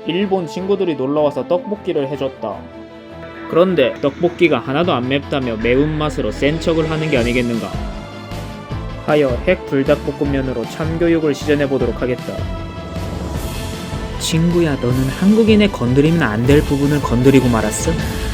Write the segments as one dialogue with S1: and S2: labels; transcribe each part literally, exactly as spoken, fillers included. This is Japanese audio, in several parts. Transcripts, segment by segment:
S1: 일본 친구들이 놀러와서 떡볶이를 해줬다. 그런데 떡볶이가 하나도 안 맵다며 매운맛으로 센 척을 하는 게 아니겠는가 하여 핵 불닭볶음면으로 참교육을 시전해보도록 하겠다. 친구야, 너는 한국인의 건드리면 안 될 부분을 건드리고 말았어?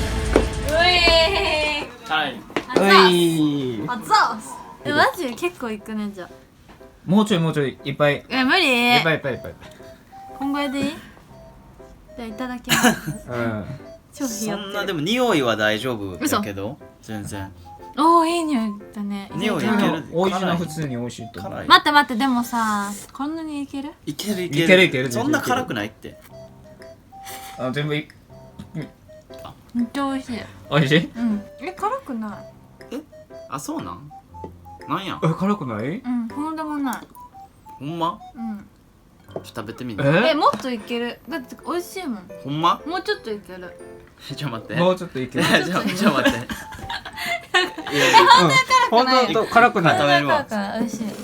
S2: 으이.
S3: はい
S2: 熱
S4: い
S2: 々えマジ結構いくねじゃあ
S4: もうちょいもうちょいいっぱいいっ
S2: え無理
S4: ぱいいっぱいいっぱい
S2: こんぐらいでいいじゃあいただきます
S4: うん
S2: 超ひよってる
S3: そんなでも匂いは大丈夫だけど全然
S2: おおいい匂いだね
S3: 匂いい
S2: ける
S3: ける
S4: 美味しいな普通に美味しいと思う
S3: 辛い
S2: 待って待ってでもさこんなにいける
S3: いけるい
S4: いけるいける
S3: そんな辛くないって
S4: あ全部い
S2: めっちゃ美味しい
S4: 美味しい
S2: うんえ辛くな
S3: あそうなんなんや
S4: え辛くない
S2: いうんほんでもない
S3: ほんま
S2: うん
S3: ちょっと食べてみる
S4: え
S2: えもっといけるだって美味しいもん
S3: ほんま
S2: もうちょっといける
S3: ちょっと待って
S4: もうちょっといける
S3: ちょちょっと待っていやいや
S4: 本当と辛くない
S3: 食べるわ
S2: だから美味しい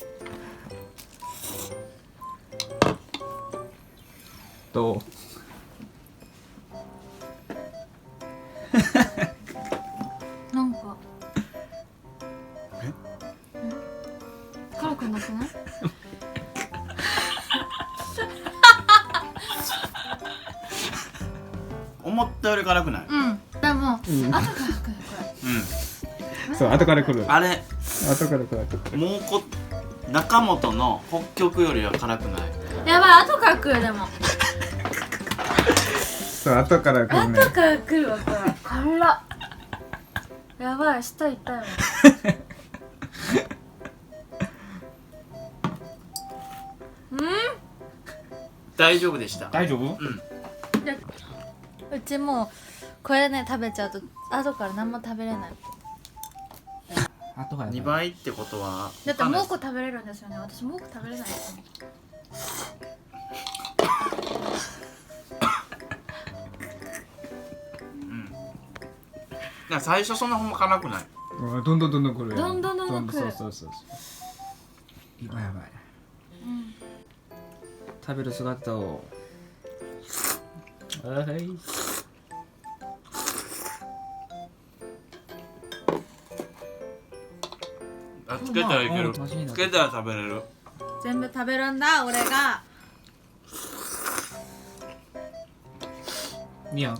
S4: と
S2: なんかえ辛くなくない
S3: 思ったより辛くない
S2: うんでも、
S4: ん
S2: 後から来るこ
S3: う
S4: そう後から来る
S3: んあれ
S4: 後から来る
S3: もうこ中本の北極よりは辛くない
S2: れやばい後から来るでも
S4: そう後から来るね
S2: 後から来るわこれ辛っやばい舌痛いもんうん
S3: 大丈夫でした
S4: 大丈夫
S3: うん
S2: うちもうこれね食べちゃうと後から何も食べれない
S4: 後から
S3: にばいってことは
S2: だってもうこ食べれるんですよね私もうこ食べれないです
S3: だから最初そんなほんま辛くない
S4: うんどんどんどんどん来るよ
S2: どんどんどんどん来る
S4: そうそうそうそう今やばい
S2: うん
S4: 食べる姿をはい
S3: あつけたらいける
S4: うんマジにな
S3: つけたら食べれる
S2: 全部食べるんだ俺が
S4: みやん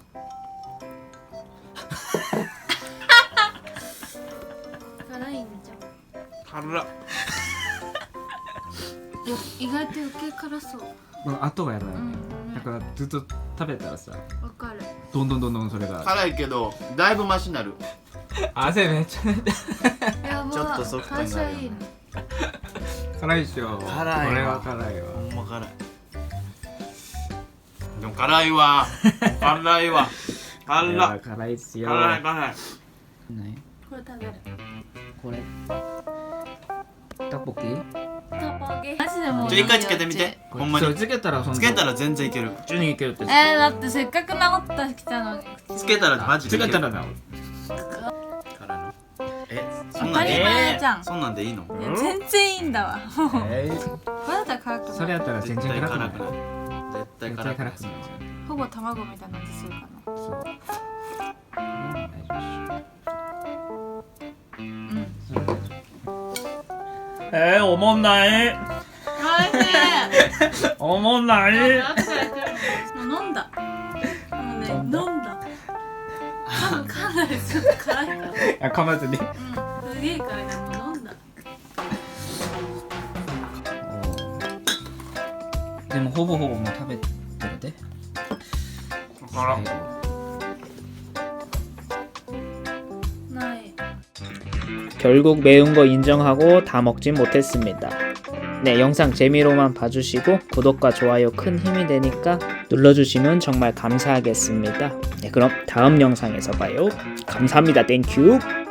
S2: 辛いんじ
S3: 辛っ
S2: ゃんよ意外と余計辛そう
S4: 後がやばいよね
S2: うん
S4: だからずっと食べたらさ
S2: わかる
S4: どんどんどんどんそれが
S3: 辛いけどだいぶマシになる
S4: 汗めっちゃ出て
S2: やば
S3: ちょっとソフトになるよね
S2: 最初はいいの
S4: 辛いっしょ
S3: 辛いわ
S4: これは辛いわ
S3: ほんま辛いでも辛いわ辛いわ辛い
S4: いや辛いっすよ
S3: 辛い辛い
S4: 何
S2: これ食べる
S4: これトッポッキ
S2: トッポギマジでもう
S3: ちょ一回つけてみてほんまに
S4: それつけたらそんな
S3: つけたら全然いける
S4: 普通にいけるって
S2: えー、だってせっかく治ったきたのに
S3: つけたらマジでいける
S4: つけたらな
S3: 辛いのえそん
S2: 当たり
S3: なんでいい
S2: 前じゃん
S3: そんなんでいいの
S2: いや全然いいんだわ
S4: えー
S2: これだったら辛くない
S4: それやったら全
S3: 絶対
S4: 然辛くない
S3: 辛くない絶対
S4: 絶
S3: 辛くない
S4: 対辛くない
S2: ほぼ卵みたいな味するかな
S4: そう大丈
S2: うん
S4: 夫それ大丈
S1: えー、おもんないおもんない
S2: もう飲んだもうね飲んだ多分かなりちょっと辛いから
S4: 夫あ噛まずに
S2: うんすげえ辛いからもう飲んだ
S4: でもほぼほぼもう食べてるで
S3: 辛っ
S2: ない
S1: 결국 매운 거 인정하고 다 먹진 못했습니다. 네, 영상 재미로만 봐주시고 구독과 좋아요 큰 힘이 되니까 눌러주시면 정말 감사하겠습니다. 네, 그럼 다음 영상에서 봐요. 감사합니다. 땡큐.